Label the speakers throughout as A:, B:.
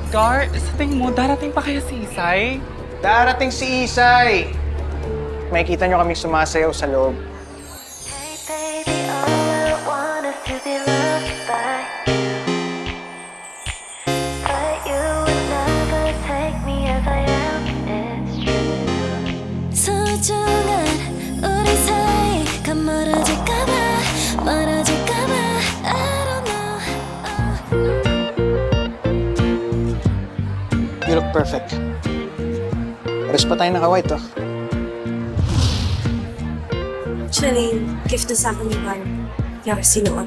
A: Gar, sa tingin mo, darating pa kaya si Isay?
B: Darating si Isay! Makikita nyo kaming sumasayaw sa loob.
C: Hey baby, all I want is to be loved by you. But you would never take me as I am, it's true. 소중한 우리 사이가 멀어질까봐 멀어질까봐 I don't know.
B: You look perfect. Pares pa tayo naka-white, oh.
D: Actually, gift na sa akin ni Juan. Kaya sinuot.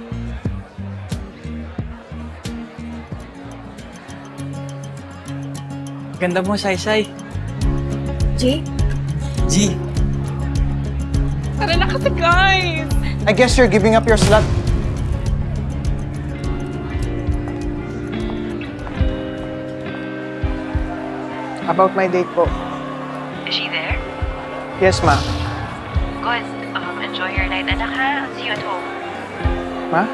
A: Ganda mo, Shai.
D: G?
A: G. Tara na kasi, guys!
B: I guess you're giving up your slot. About my date po.
E: Is she there?
B: Yes, ma.
E: Good. Enjoy your night, anak ha. I'll see you at home.
B: Ma?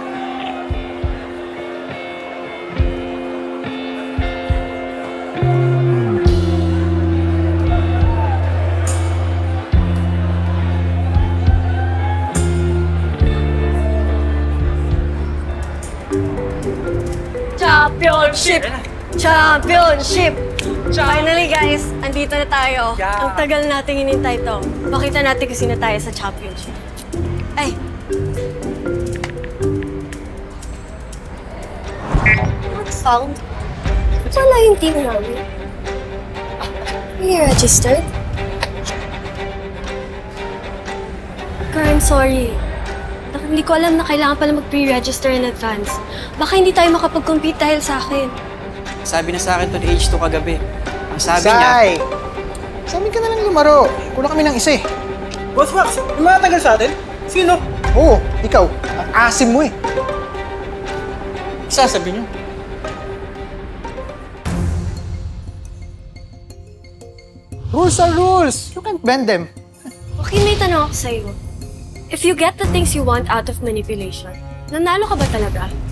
D: Championship! Championship! Finally guys, andito na tayo.
A: Yeah.
D: Ang tagal nating hinintay to. Makita natin kung sino tayo sa championship. Ay! What found? Wala yung team namin. Are you registered? Girl, I'm sorry. Hindi ko alam na kailangan pala mag-pre-register in advance. Baka hindi tayo makapag-compete dahil sa akin.
F: Sabi na sa akin to ni H2 kagabi. Ang sabi niya,
B: Isay! Sa amin ka na lang lumaro. Kulang kami ng isa eh.
G: Boss Max, yung mga tagal sa atin? Sino?
B: Oo, ikaw. Ang asim mo eh.
F: sasabi niyo.
B: Rules are rules. You can't bend them.
D: Okay, may tanong ako sa'yo. If you get the things you want out of manipulation, nanalo ka ba talaga?